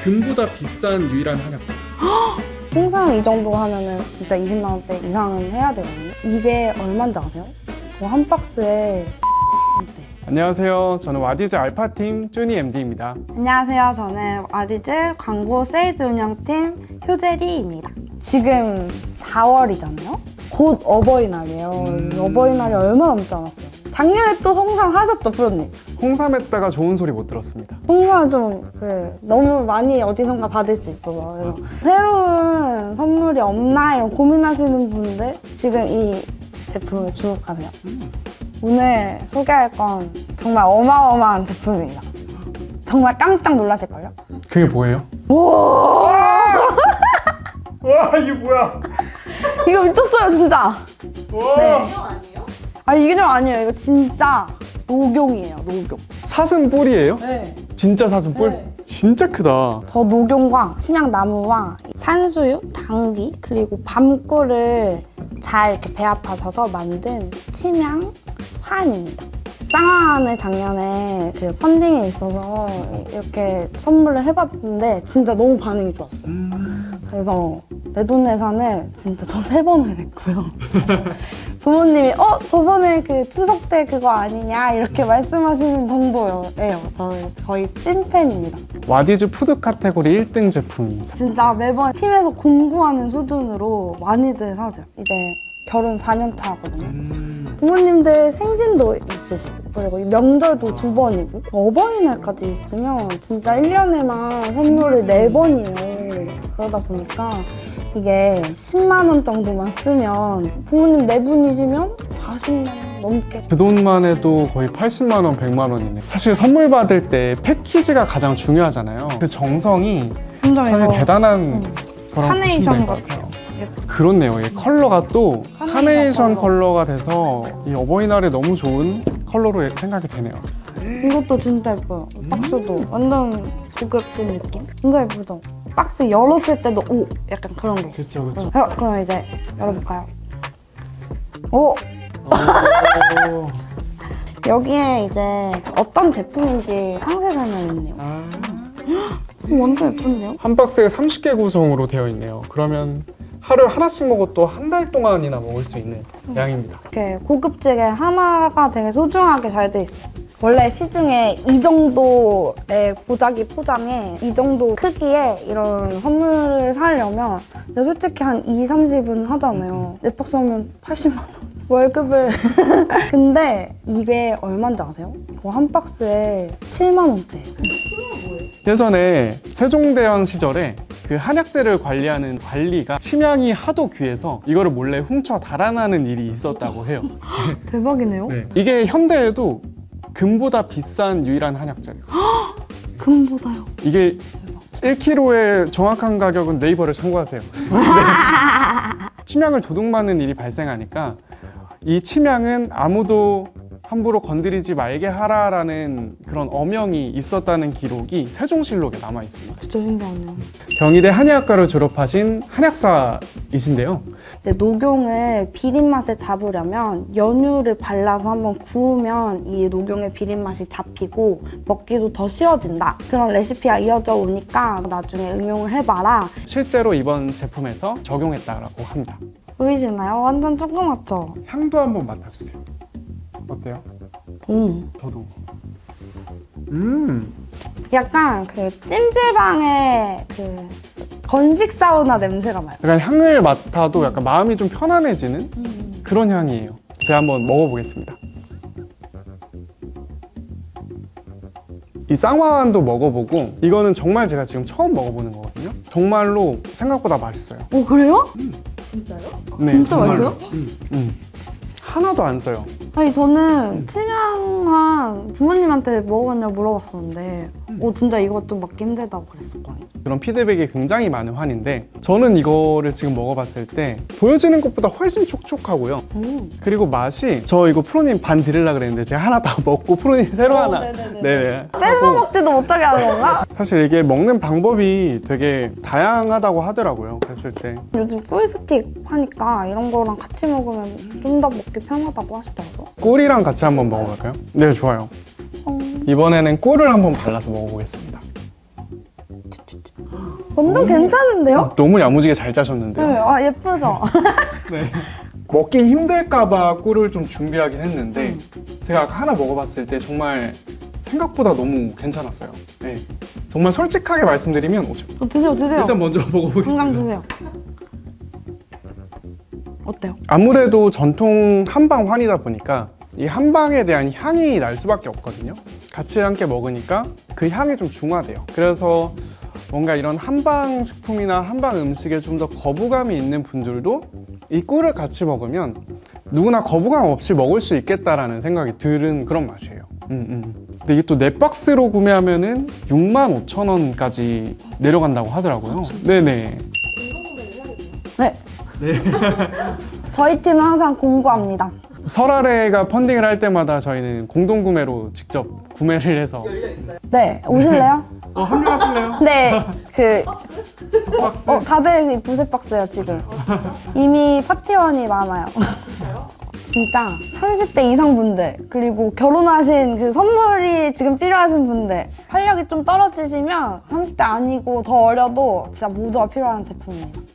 금보다 비싼 유일한 한약재. 홍삼 이 정도 하면은 진짜 20만 원대 이상은 해야 되거든요. 이게 얼마인지 아세요? 그거 한 박스에 원대. 안녕하세요. 저는 와디즈 알파팀 쭈니 MD입니다. 안녕하세요. 저는 와디즈 광고 세일즈 운영팀 효재리입니다. 지금 4월이잖아요? 곧 어버이날이에요. 어버이날이 얼마 남지 않았어요. 작년에 또 홍삼 하셨죠, 프로님? 홍삼했다가 좋은 소리 못 들었습니다. 홍삼 좀 너무 많이 어디선가 받을 수 있어서 그래서 새로운 선물이 없나 이런 고민하시는 분들 지금 이 제품을 주목하세요. 오늘 소개할 건 정말 어마어마한 제품입니다. 정말 깜짝 놀라실걸요? 그게 뭐예요? 오! 와, 이게 뭐야? 이거 미쳤어요, 진짜. 와. 아, 이게 좀 아니에요. 이거 진짜 녹용이에요, 녹용. 사슴 뿔이에요? 네. 진짜 사슴 뿔? 네. 진짜 크다. 저 녹용과 침향나무와 산수유, 당귀, 그리고 밤꿀을 잘 이렇게 배합하셔서 만든 침향 환입니다. 쌍화환을 작년에 그 펀딩에 있어서 이렇게 선물을 해봤는데 진짜 너무 반응이 좋았어요. 그래서 내돈내산을 진짜 저 3번을 했고요. 부모님이 저번에 그 추석 때 그거 아니냐 이렇게 말씀하시는 정도예요. 저는 거의 찐팬입니다. 와디즈 푸드 카테고리 1등 제품입니다. 진짜 매번 팀에서 공부하는 수준으로 많이들 사세요. 이제 결혼 4년 차거든요. 부모님들 생신도 있으시고 그리고 명절도 2번이고 어버이날까지 있으면 진짜 1년에만 선물을 4번이에요. 그러다 보니까 이게 10만 원 정도만 쓰면 부모님 4분이시면 40만 원 넘게. 그 돈만 해도 거의 80만 원, 100만 원이네. 사실 선물 받을 때 패키지가 가장 중요하잖아요. 그 정성이 사실 대단한 거라고 보시면 될 것 같아요. 그렇네요. 이 컬러가 또 카네이션 컬러가 돼서 이 어버이날에 너무 좋은 컬러로 생각이 되네요. 이것도 진짜 예뻐요. 박스도 완전 고급진 느낌. 진짜 예쁘죠? 박스 열었을 때도 오! 약간 그런 게 있어요. 그쵸. 그럼 이제 열어볼까요? 오! 여기에 이제 어떤 제품인지 상세 설명이 있네요. 완전 예쁜데요? 한 박스에 30개 구성으로 되어 있네요. 그러면 하루에 하나씩 먹어도 한 달 동안이나 먹을 수 있는 양입니다. 이렇게 고급지게 하나가 되게 소중하게 잘 돼 있어요. 원래 시중에 이 정도의 보자기 포장에 이 정도 크기에 이런 선물을 사려면 근데 솔직히 한 2, 30은 하잖아요. 4박스 하면 80만 원. 월급을. 근데 이게 얼마인지 아세요? 이거 한 박스에 7만 원대예요. 예전에 세종대왕 시절에 그 한약재를 관리하는 관리가 침향이 하도 귀해서 이거를 몰래 훔쳐 달아나는 일이 있었다고 해요. 대박이네요. 이게 현대에도 금보다 비싼 유일한 한약재예요. 금보다요. 이게 1kg의 정확한 가격은 네이버를 참고하세요. 침향을 도둑맞는 일이 발생하니까 이 침향은 아무도 함부로 건드리지 말게 하라라는 그런 어명이 있었다는 기록이 세종실록에 남아 있습니다. 진짜 신기하네요. 경희대 한의학과를 졸업하신 한약사이신데요. 근데 녹용을 비린 맛을 잡으려면 연유를 발라서 한번 구우면 이 녹용의 비린 맛이 잡히고 먹기도 더 쉬워진다. 그런 레시피가 이어져 오니까 나중에 응용을 해봐라. 실제로 이번 제품에서 적용했다고 합니다. 보이시나요? 완전 조그맣죠? 향도 한번 맡아주세요. 어때요? 저도. 약간 그 찜질방의 그 건식 사우나 냄새가 나요. 약간 향을 맡아도 약간 마음이 좀 편안해지는 그런 향이에요. 제가 한번 먹어보겠습니다. 이 쌍화환도 먹어보고 이거는 정말 제가 지금 처음 먹어보는 거거든요. 정말로 생각보다 맛있어요. 오, 그래요? 네, 진짜 정말로. 맛있어요? 하나도 안 써요. 아니 저는 침향한 부모님한테 먹어봤냐고 물어봤었는데 진짜 이것도 먹기 힘들다고 그랬었거든요. 그런 피드백이 굉장히 많은 환인데 저는 이거를 지금 먹어봤을 때 보여지는 것보다 훨씬 촉촉하고요. 그리고 맛이 저 이거 프로님 반 드리려고 그랬는데 제가 하나 다 먹고 프로님 새로 하나 네네. 뺏어 먹지도 못하게 하는 건가? 사실 이게 먹는 방법이 되게 다양하다고 하더라고요. 그랬을 때 요즘 꿀스틱 하니까 이런 거랑 같이 먹으면 좀 더 먹기 편하다고 하시더라고요. 꿀이랑 같이 한번 먹어볼까요? 네, 좋아요. 이번에는 꿀을 한번 발라서 먹어보겠습니다. 완전 괜찮은데요? 너무 야무지게 잘 짜셨는데요. 네, 아 예쁘죠? 네. 먹기 힘들까봐 꿀을 좀 준비하긴 했는데 제가 아까 하나 먹어봤을 때 정말 생각보다 너무 괜찮았어요. 네. 정말 솔직하게 말씀드리면 드세요. 일단 먼저 당장 먹어보겠습니다. 드세요. 어때요? 아무래도 전통 한방 환이다 보니까 이 한방에 대한 향이 날 수밖에 없거든요. 같이 함께 먹으니까 그 향이 좀 중화돼요. 그래서 뭔가 이런 한방 식품이나 한방 음식에 좀 더 거부감이 있는 분들도 이 꿀을 같이 먹으면 누구나 거부감 없이 먹을 수 있겠다라는 생각이 드는 그런 맛이에요. 근데 이게 또 넷박스로 구매하면은 65,000원까지 내려간다고 하더라고요. 네네. 네. 저희 팀은 항상 공부합니다. 설아래가 펀딩을 할 때마다 저희는 공동구매로 직접 구매를 해서 네, 오실래요? 합류하실래요? 네, 박스? 다들 두세 박스요 지금. 이미 파티원이 많아요. 진짜 30대 이상 분들 그리고 결혼하신 그 선물이 지금 필요하신 분들 활력이 좀 떨어지시면 30대 아니고 더 어려도 진짜 모두가 필요한 제품이에요.